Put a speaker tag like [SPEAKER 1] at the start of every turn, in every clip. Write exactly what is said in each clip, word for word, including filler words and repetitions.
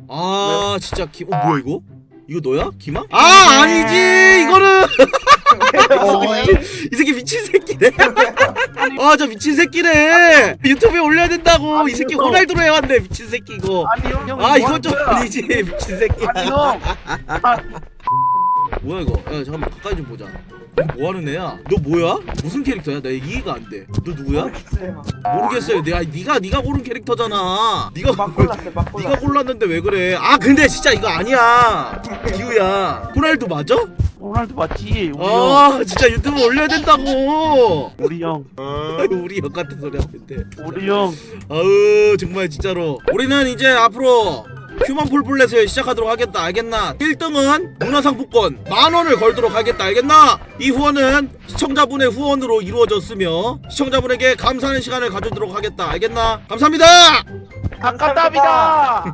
[SPEAKER 1] 아 진짜 기.. 어 뭐야 이거? 이거 너야? 기망? 아 아니지 이거는 이 새끼 미친 새끼네. 아 저 미친 새끼네. 유튜브에 올려야 된다고.
[SPEAKER 2] 아니,
[SPEAKER 1] 이 새끼
[SPEAKER 2] 이거.
[SPEAKER 1] 호날두로 해왔네 미친 새끼 이거.
[SPEAKER 2] 아니 형, 형
[SPEAKER 1] 아
[SPEAKER 2] 이거
[SPEAKER 1] 이건 좀
[SPEAKER 2] 하는 거야.
[SPEAKER 1] 아니지 미친 새끼야.
[SPEAKER 2] 아니 형. 아,
[SPEAKER 1] 뭐야 이거? 야 잠깐만 가까이 좀 보자. 이거 뭐 하는 애야? 너 뭐야? 무슨 캐릭터야? 나 이해가 안 돼. 너 누구야? 모르겠어요. 내가 네가 네가 고른 캐릭터잖아. 네가
[SPEAKER 3] 막 골랐어 막 골랐어.
[SPEAKER 1] 네가 골랐는데 왜 그래? 아 근데 진짜 이거 아니야. 기우야. 호날두 맞아?
[SPEAKER 2] 호날두 맞지? 우리 형.
[SPEAKER 1] 아 진짜 유튜브 올려야 된다고.
[SPEAKER 2] 우리 형.
[SPEAKER 1] 우리 형 같은 소리 하는데.
[SPEAKER 2] 우리 형.
[SPEAKER 1] 아우 정말 진짜로. 우리는 이제 앞으로 휴먼 폴플렛을 시작하도록 하겠다. 알겠나? 일 등은 문화상품권 만원을 걸도록 하겠다. 알겠나? 이 후원은 시청자분의 후원으로 이루어졌으며 시청자분에게 감사하는 시간을 가져도록 하겠다. 알겠나? 감사합니다.
[SPEAKER 2] 감사합니다.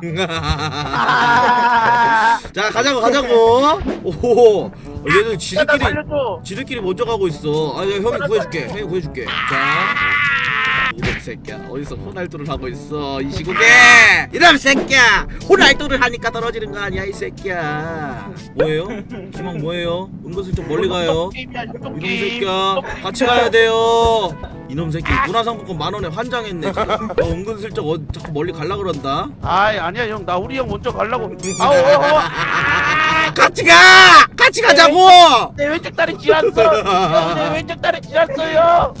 [SPEAKER 2] 아,
[SPEAKER 1] 자 가자고 가자고. 오호 얘들
[SPEAKER 2] 나
[SPEAKER 1] 지들끼리
[SPEAKER 2] 살려줘.
[SPEAKER 1] 지들끼리 먼저 가고 있어. 아, 야, 형이 구해줄게. 형이 구해줄게. 자, 이놈 새끼야. 어디서 호날두를 하고 있어? 이 시국에. 이놈 새끼야. 호날두를 하니까 떨어지는 거 아니야, 이 새끼야. 뭐예요? 기망 뭐예요? 은근슬쩍 멀리 가요.
[SPEAKER 2] 게임이야,
[SPEAKER 1] 이놈
[SPEAKER 2] 게임.
[SPEAKER 1] 새끼야. 같이 가야 돼요. 이놈 새끼 문화상품권 만 원에 환장했네. 지금. 너 은근슬쩍 어, 자꾸 멀리 갈라 그런다.
[SPEAKER 2] 아이 아니야 형, 나 우리 형 먼저 가려고. 아우 아우, 아우.
[SPEAKER 1] 같이 가. 같이 가자고.
[SPEAKER 2] 내 왼쪽 다리 지났어. 형, 내 왼쪽 다리 지났어요.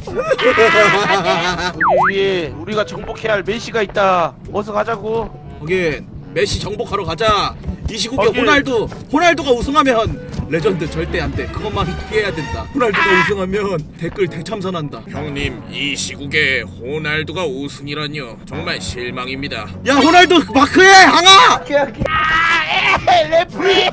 [SPEAKER 2] 여기 위에 우리가 정복해야 할 메시가 있다. 어서 가자고.
[SPEAKER 1] 거긴 메시 정복하러 가자. 이 시국에
[SPEAKER 2] 거기-
[SPEAKER 1] 호날두 호날두가 우승하면 레전드 절대 안돼. 그것만 피해야 된다. 호날두가 우승하면 댓글 대참선한다.
[SPEAKER 4] 형님, 이 시국에 호날두가 우승이라뇨. 정말 실망입니다.
[SPEAKER 1] 야 호날두 마크해 항아.
[SPEAKER 3] 오케이 오케이.
[SPEAKER 2] 에이, 레프리.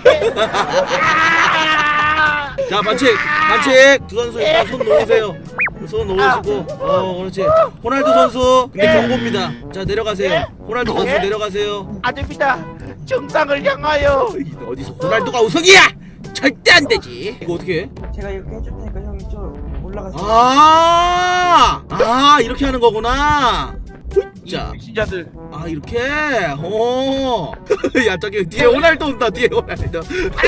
[SPEAKER 1] 자 반칙 반칙. 두 선수 일단 손 놓으세요. 손 놓으시고 어 그렇지. 호날두 선수 근데 경고입니다. 자 내려가세요. 호날두 선수
[SPEAKER 2] 예?
[SPEAKER 1] 내려가세요.
[SPEAKER 2] 아닙니다. 정상을 향하여.
[SPEAKER 1] 어디서 호날두가 우승이야? 절대 안 되지. 이거 어떻게 해?
[SPEAKER 3] 제가 이렇게 해줄 테니까 형이 좀 올라가서.
[SPEAKER 1] 아, 아 이렇게 하는 거구나. 자,
[SPEAKER 2] 신자들.
[SPEAKER 1] 아 이렇게. 어. 야 저기 뒤에 호날두 온다. 뒤에 호날두.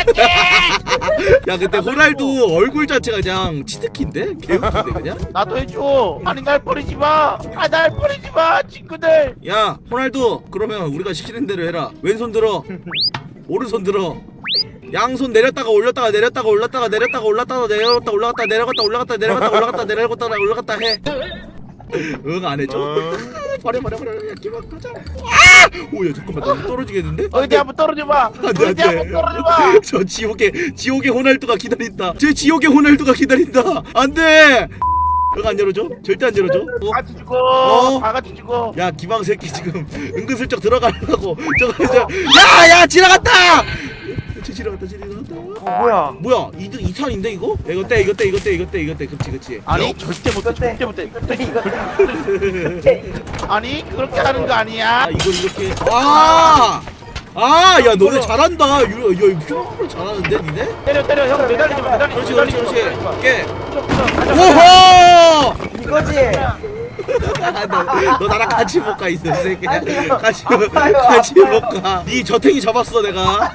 [SPEAKER 1] 야 근데 호날두 얼굴 자체가 그냥 치트키인데? 개웃긴데 그냥?
[SPEAKER 2] 나도 해줘. 아니 날 버리지 마. 아 날 버리지 마 친구들.
[SPEAKER 1] 야 호날두 그러면 우리가 시키는 대로 해라. 왼손 들어. 오른손 들어. 양손 내렸다가 올렸다가 내렸다가 올랐다가 내렸다가 올랐다가 내려갔다 올라갔다 내려갔다 올라갔다 내려갔다 올라갔다 내려갔다 올라갔다 해. 응 안 해줘? 버려 버려 버려. 야 기만 가자. 아! 오야 잠깐만 나 떨어지겠는데?
[SPEAKER 2] 어디 한번 떨어져 봐.
[SPEAKER 1] 안돼
[SPEAKER 2] 어디 한번
[SPEAKER 1] 안돼.
[SPEAKER 2] 떨어져 봐.
[SPEAKER 1] 저 지옥의 지옥의 호날두가 기다린다. 제 지옥의 호날두가 기다린다. 안돼. 응 안 열어줘? 절대 안 열어줘. 어?
[SPEAKER 2] 다 뒤지고.
[SPEAKER 1] 어?
[SPEAKER 2] 다 같이 죽어.
[SPEAKER 1] 야 기방 새끼 지금 은근슬쩍 들어가려고 저거 저 야야 지나갔다. 저 지나갔다 지나갔다.
[SPEAKER 3] 어 뭐야?
[SPEAKER 1] 뭐야 이등이 탄인데 이거? 야, 이거 떼 이거 떼 이거 떼 이거 떼 이거 떼 그렇지 그렇지.
[SPEAKER 2] 아니 절대 못해.
[SPEAKER 3] 이거 때.
[SPEAKER 2] 절대 못해.
[SPEAKER 3] 이거 때 이거 때.
[SPEAKER 2] 아니 그렇게 하는 거 아니야.
[SPEAKER 1] 아 이걸 이렇게 아! 아, 야 너네 잘한다. 유, 야, 이거 잘하는데 니네?
[SPEAKER 2] 때려 때려 형 매달리지 마. 매달리지
[SPEAKER 1] 그렇지
[SPEAKER 2] 마.
[SPEAKER 1] 그렇지 그렇지.
[SPEAKER 2] 매달리지 마.
[SPEAKER 1] 깨.
[SPEAKER 2] 부셔, 부셔. 가자, 가자.
[SPEAKER 1] 오호!
[SPEAKER 3] 이거지.
[SPEAKER 1] 너, 너 나랑 같이 못 가, 이 새끼야.
[SPEAKER 3] 아니요.
[SPEAKER 1] 같이,
[SPEAKER 3] 아파요,
[SPEAKER 1] 같이
[SPEAKER 3] 아파요.
[SPEAKER 1] 못 가. 네 저탱이 잡았어, 내가.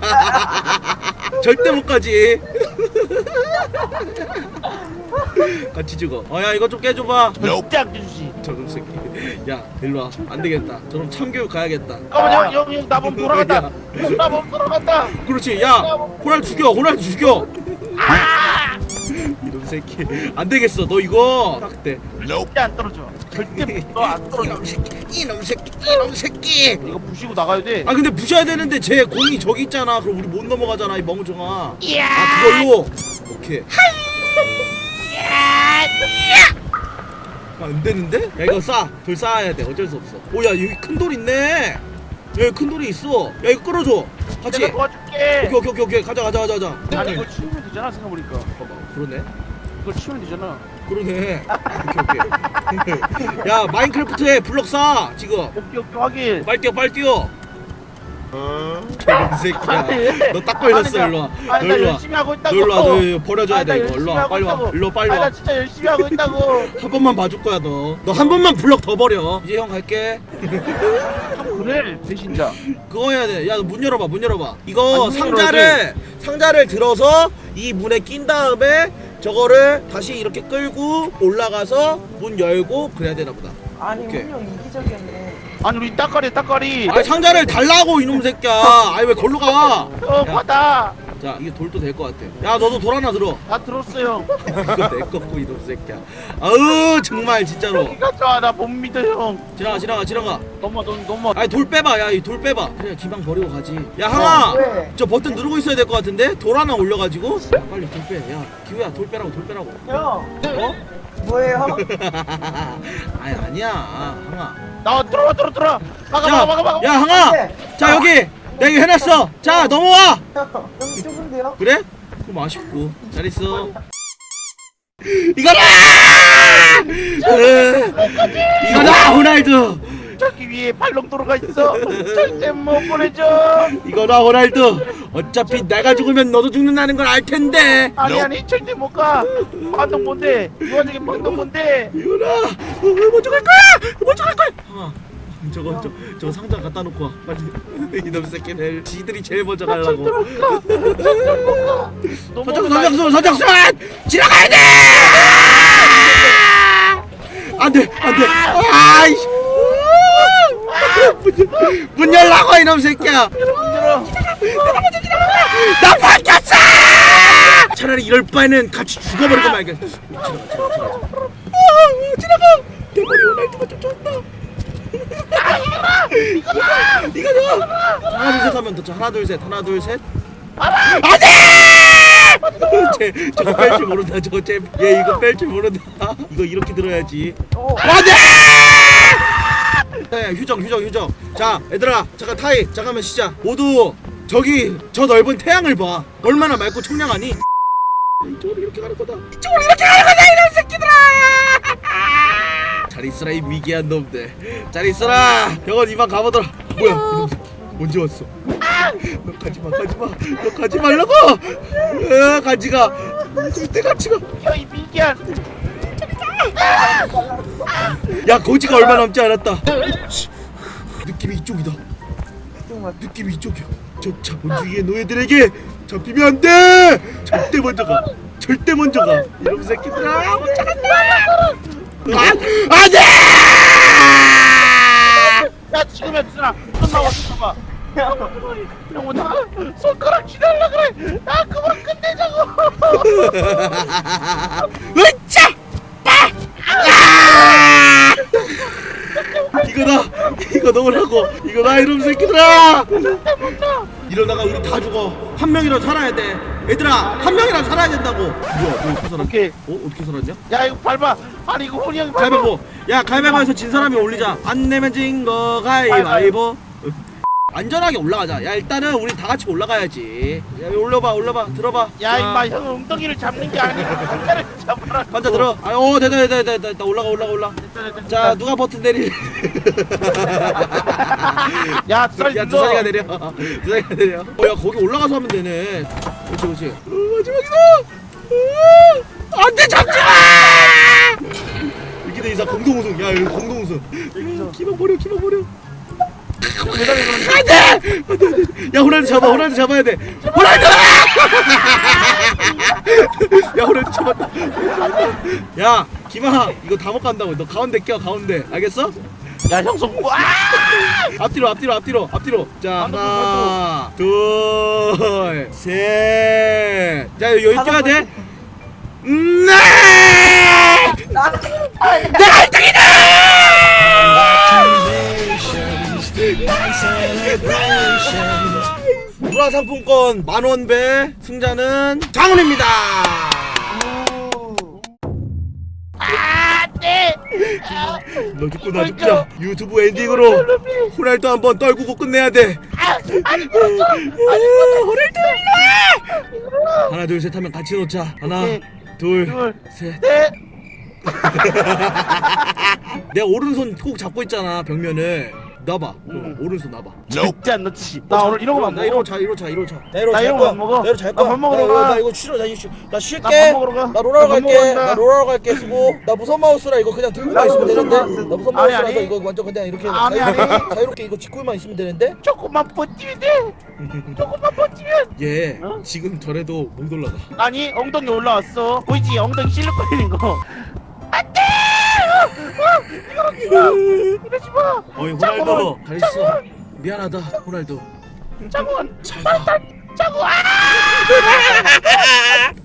[SPEAKER 1] 절대 못 가지. 같이 죽어. 어, 야, 이거 좀 깨줘봐.
[SPEAKER 2] 절대 안 주지.
[SPEAKER 1] 저놈 새끼. 야, 일로 와. 안 되겠다. 저놈 참교육 가야겠다.
[SPEAKER 2] 잠깐만 형형나몸 돌아간다. 나몸 돌아간다.
[SPEAKER 1] 그렇지. 야, 호날 죽여. 호날 죽여. 이놈 새끼. 안 되겠어. 너 이거 딱 돼.
[SPEAKER 2] 절대 안 떨어져. 절대 너안 떨어져.
[SPEAKER 1] 이놈 새끼. 이놈 새끼. 이놈 새끼.
[SPEAKER 2] 이거 부시고 나가야 돼.
[SPEAKER 1] 아 근데 부셔야 되는데 제 공이 저기 있잖아. 그럼 우리 못 넘어가잖아 이 멍청아.
[SPEAKER 2] 이야.
[SPEAKER 1] 아 그걸로. 오케이. 아, 안 되는데? 야 이거 쌓아. 돌 쌓아야 돼. 어쩔 수 없어. 오야 여기 큰 돌 있네. 야 여기 큰 돌이 있어. 야 이거 끌어줘. 같이.
[SPEAKER 2] 내가 도와줄게.
[SPEAKER 1] 오케이 오케이 오케이 오케이. 가자 가자 가자 가자.
[SPEAKER 2] 아니 이거 치우면 되잖아 생각해보니까.
[SPEAKER 1] 봐봐. 그러네.
[SPEAKER 2] 이거 치우면 되잖아.
[SPEAKER 1] 그러네. 오케이 오케이. 야 마인크래프트에 블럭 쌓아 지금.
[SPEAKER 2] 오케이 오케이 확인.
[SPEAKER 1] 빨리 뛰어 빨리 뛰어. 이 새끼야. 너 딱 걸렸어. 일로 와. 너
[SPEAKER 2] 아니 나
[SPEAKER 1] 일로 와.
[SPEAKER 2] 열심히 하고
[SPEAKER 1] 너
[SPEAKER 2] 있다고.
[SPEAKER 1] 일로 와. 너 이거 버려줘야
[SPEAKER 2] 아니, 나
[SPEAKER 1] 돼 이거.
[SPEAKER 2] 열심히
[SPEAKER 1] 일로 와.
[SPEAKER 2] 하고
[SPEAKER 1] 빨리 와.
[SPEAKER 2] 있다고.
[SPEAKER 1] 일로 와 빨리
[SPEAKER 2] 아니
[SPEAKER 1] 와.
[SPEAKER 2] 나 진짜 열심히 하고 있다고.
[SPEAKER 1] 한 번만 봐줄 거야 너. 너 한 번만 블럭 더 버려. 이제 형 갈게.
[SPEAKER 2] 한 그래 배신자.
[SPEAKER 1] 그거 해야 돼. 야, 문 열어봐, 문 열어봐. 이거
[SPEAKER 2] 안
[SPEAKER 1] 상자를 상자를 들어서 이 문에 낀 다음에 저거를 다시 이렇게 끌고 올라가서 문 열고 그래야 되나 보다.
[SPEAKER 3] 아니
[SPEAKER 1] 오케이.
[SPEAKER 3] 운영 이기적이었네.
[SPEAKER 2] 아니 우리 따까리 따까리.
[SPEAKER 1] 아니 상자를 달라고 이놈 새끼야. 아니 왜 걸로 가?
[SPEAKER 2] 어
[SPEAKER 1] 야.
[SPEAKER 2] 받아.
[SPEAKER 1] 자, 이게 돌도 될 것 같아. 야, 너도 돌 하나 들어.
[SPEAKER 2] 다 들었어요.
[SPEAKER 1] 이거 내 거고 이놈 새끼야. 아우 정말 진짜로.
[SPEAKER 2] 이가 좋아 나 못 믿어 형.
[SPEAKER 1] 지나가, 지나가, 지나가.
[SPEAKER 2] 넘어 넘어 넘어.
[SPEAKER 1] 아니 돌 빼봐. 야, 이 돌 빼봐. 그래, 기방 버리고 가지. 야, 항아.
[SPEAKER 3] 어, 왜?
[SPEAKER 1] 저 버튼 누르고 있어야 될 것 같은데? 돌 하나 올려가지고. 야, 빨리 돌 빼. 야, 기우야, 돌 빼라고, 돌 빼라고.
[SPEAKER 3] 형
[SPEAKER 1] 어?
[SPEAKER 3] 뭐예요?
[SPEAKER 1] 아니 아니야, 항아.
[SPEAKER 2] 나 들어와 들어 들어. 막아
[SPEAKER 1] 자,
[SPEAKER 2] 막아 막아 막아.
[SPEAKER 1] 야, 항아.
[SPEAKER 3] 네.
[SPEAKER 1] 자, 여기 내가 이거 해놨어. 자, 넘어와.
[SPEAKER 3] 형 여기 좁은데요?
[SPEAKER 1] 그래? 그럼 아쉽고. 잘 있어. 이거다! 으, 이거다, 호날두.
[SPEAKER 2] 저기 위에 발롱도로가 있어. 절대 못 보내줘.
[SPEAKER 1] 이거다, 호날두. 어차피 내가 죽으면 너도 죽는다는 걸 알 텐데.
[SPEAKER 2] 아니 아니 절대 못 가. 반동 뭔데? 이 와중에 반동 뭔데?
[SPEAKER 1] 이거다. 어, 먼저 갈 거야. 먼저 갈 거야. 항아, 저거 저, 저거 상자 갖다 놓고 와. 빨리. 이놈 새끼들. 지들이 제일 먼저 가려고. 서정수, 서정수, 서정수! 지나가야 돼! 안 돼, 안 돼. 아이씨. 문, 열- 문 열라고 이놈 새끼야. 나 바뀌었어! 차라리 이럴 바에는 같이 죽어버리고 말겠어. 지나가, 지나가, 지나가. 어, 지나가. 내 머리 호날두가 쫓아온다. 이거다. 하나 둘 셋 하면 더. 하나 둘 셋. 하나 둘 셋. 안돼! 쟤 저거 뺄 줄 모른다. 저거 쟤얘 이거 뺄 줄 모른다. 이거 이렇게 들어야지.
[SPEAKER 3] 어.
[SPEAKER 1] 안돼! 네, 휴정 휴정 휴정. 자, 얘들아 잠깐 타이. 잠깐만 쉬자. 모두 저기 저 넓은 태양을 봐. 얼마나 맑고 청량하니? 이쪽으로 이렇게 가는 거다. 이쪽으로 이렇게 가는 거다 이런 새끼들아. 잘 있어라 이 미개한 놈들. 잘 있어라. 병원 이만 가보더라. 뭐야 이놈 새끼 언제 왔어? 너 가지마 가지마. 너 가지 말라고. 어, 가지가. 절대 가지가.
[SPEAKER 2] 야이 미개한.
[SPEAKER 1] 야 거지가 얼마 남지 않았다. 씨, 느낌이 이쪽이다.
[SPEAKER 3] 정말
[SPEAKER 1] 느낌이 이쪽이야. 저 자본주의의 노예들에게 잡히면 안 돼. 절대 먼저 가. 절대 먼저 가. 이놈 새끼들아. 못 잡았다. 아, 안 돼.
[SPEAKER 2] 야 지금이야 누나. 손 나와 손 나와. 형 오다 손가락 쥐달라 그래. 아 그만 끝내자고.
[SPEAKER 1] 으짜! 아! 이거다. 이거 넣으라고. 이거다 이놈 새끼들아. 이러다가 우리 다 죽어. 한 명이라도 살아야 돼. 얘들아 한 명이라도 살아야 된다고. 뭐야 너 어떻게 살았냐?
[SPEAKER 2] 오케이.
[SPEAKER 1] 어? 어떻게 살았냐?
[SPEAKER 2] 야 이거 밟아. 아니 이거 혼이 형이 밟아.
[SPEAKER 1] 가위바위보. 야 가위바위보에서 진 사람이 올리자. 안 내면 진 거 가위바위보. 안전하게 올라가자. 야 일단은 우리 다 같이 올라가야지. 야 올려봐 올려봐 들어봐.
[SPEAKER 2] 야
[SPEAKER 1] 자,
[SPEAKER 2] 임마 형은 엉덩이를 잡는 게 아니고 한자를 잡아라.
[SPEAKER 1] 환자 들어. 아오 됐다 됐다 됐다 됐다 올라가 올라가 올라. 자 누가 버튼 내리.
[SPEAKER 2] 야 두살
[SPEAKER 1] 야 두산이가 내려. 두산이가 내려. 어야 거기 올라가서 하면 되네. 그렇지 그렇지. 어, 마지막이다. 어, 안돼 잡지 마. 이렇게 돼 이상 공동 우승. 야 이거 공동 우승. 기만 버려 기만 버려. 안돼! 안돼! 야 호날두 잡아 호날두 잡아야 돼. 호날두! 야 호날두 잡았다. 야 김아 이거 다 못 간다고. 너 가운데 껴 가운데. 알겠어?
[SPEAKER 2] 야 형성 와.
[SPEAKER 1] 앞뒤로 앞뒤로 앞뒤로 앞뒤로. 자
[SPEAKER 2] 안 돼,
[SPEAKER 1] 하나 둘 셋. 자 여기 껴야 돼. 음, 네! 내가 일 등이다! 문화상품권 만원 배 승자는 장훈입니다.
[SPEAKER 2] 안돼.
[SPEAKER 1] 너 죽고 나 죽자. 유튜브 엔딩으로 호날두 한번 떨구고 끝내야 돼. 호날두 일로와. 하나 둘 셋 하면 같이 놓자. 하나
[SPEAKER 2] 오케이.
[SPEAKER 1] 둘
[SPEAKER 2] 둘,
[SPEAKER 1] 셋.
[SPEAKER 2] 넷.
[SPEAKER 1] 내 오른손 꼭 잡고 있잖아 벽면을. 놔봐.
[SPEAKER 2] 음.
[SPEAKER 1] 오른손 놔봐.
[SPEAKER 2] 절대 안 넣지. 나 오늘 이런 거만
[SPEAKER 1] 나
[SPEAKER 2] 먹어.
[SPEAKER 1] 이러고 자 이러고 자 이러고 자.
[SPEAKER 5] 나 이러고
[SPEAKER 2] 나
[SPEAKER 5] 잘
[SPEAKER 2] 이런
[SPEAKER 5] 거야.
[SPEAKER 2] 거안 먹어.
[SPEAKER 5] 나 이러고 잘
[SPEAKER 2] 나
[SPEAKER 5] 거야.
[SPEAKER 2] 밥 먹으러
[SPEAKER 5] 나,
[SPEAKER 2] 가.
[SPEAKER 5] 나 이거 쉬러 나 이거 쉬, 나 쉴게.
[SPEAKER 2] 나 밥 먹으러 가.
[SPEAKER 5] 나 롤하러
[SPEAKER 2] 나 밥
[SPEAKER 5] 갈게.
[SPEAKER 2] 먹으러 간다.
[SPEAKER 5] 나 롤하러 갈게. 수고. 나 무선 마우스라 이거 그냥 들고만 있으면
[SPEAKER 3] 무선
[SPEAKER 5] 되는데.
[SPEAKER 3] 마우스.
[SPEAKER 5] 나 무선
[SPEAKER 2] 아니,
[SPEAKER 5] 마우스라서
[SPEAKER 2] 아니.
[SPEAKER 5] 이거 완전 그냥 이렇게
[SPEAKER 2] 아니,
[SPEAKER 5] 자유-
[SPEAKER 2] 아니.
[SPEAKER 5] 자유롭게 이거 짚고만 있으면 되는데.
[SPEAKER 2] 조금만 버티면 돼. 조금만 버티면.
[SPEAKER 1] 얘
[SPEAKER 2] 어?
[SPEAKER 1] 지금 저래도 못 올라가.
[SPEAKER 2] 아니 엉덩이 올라왔어. 보이지? 엉덩이 실룩거리는 거. 안돼! 어, 어, 이거 이거 이러지 마.
[SPEAKER 1] 어이 호날두
[SPEAKER 2] 짜고,
[SPEAKER 1] 잘 있어. 미안하다 호날두.
[SPEAKER 2] 짜고
[SPEAKER 1] 잘 가.
[SPEAKER 2] 짜고 아!